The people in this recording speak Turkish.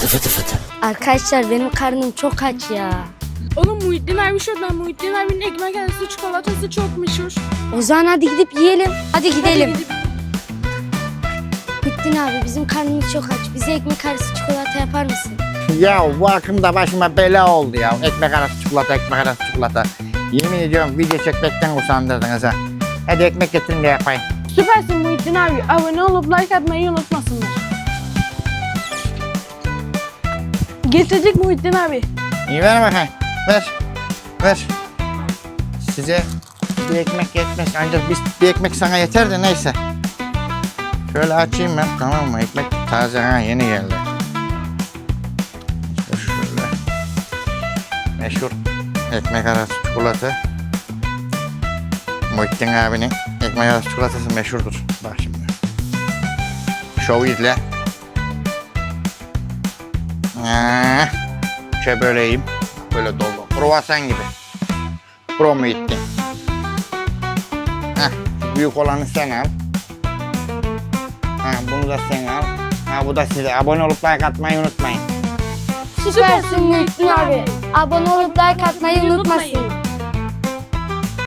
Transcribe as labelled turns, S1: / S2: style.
S1: fıtı fıtı.
S2: Arkadaşlar benim karnım çok aç ya.
S3: Oğlum Muhittin abi şuradan. Muhittin abinin ekmek arası çikolatası çok meşhur.
S2: O zaman hadi gidip yiyelim. Hadi gidelim.
S3: Hadi gidip-
S2: Muhittin abi bizim karnımız çok aç. Bize ekmek arası çikolata yapar mısın?
S1: Ya bu akımda başıma bela oldu ya. Ekmek arası çikolata, ekmek arası çikolata. Yemin ediyorum video çekmekten usandırdınız ha. Hadi ekmek getirin de yapayım.
S3: Süpersin Muhittin abi. Abone olup like atmayı unutmasınlar. Getirecek Muhittin abi.
S1: İyi ver bakayım. Ver. Ver. Size bir ekmek yetmez. Ancak bir ekmek sana yeter de neyse. Şöyle açayım ben, tamam mı? Ekmek taze, ha, yeni geldi. İşte şöyle. Meşhur ekmek arası çikolata. Muhittin abinin ekmek arası çikolatası meşhurdur. Bak şimdi. Şovu izle. Şöyle böyle yiyeyim. Böyle dolu. Kruvasan gibi. Pro Muhittin. Heh, büyük olanı sen al. Ha, bunu da sen al. Ha, bu da size. Abone olup like atmayı unutmayın.
S2: Süpersin Muhittin abi. Abone olup like atmayı unutmasın.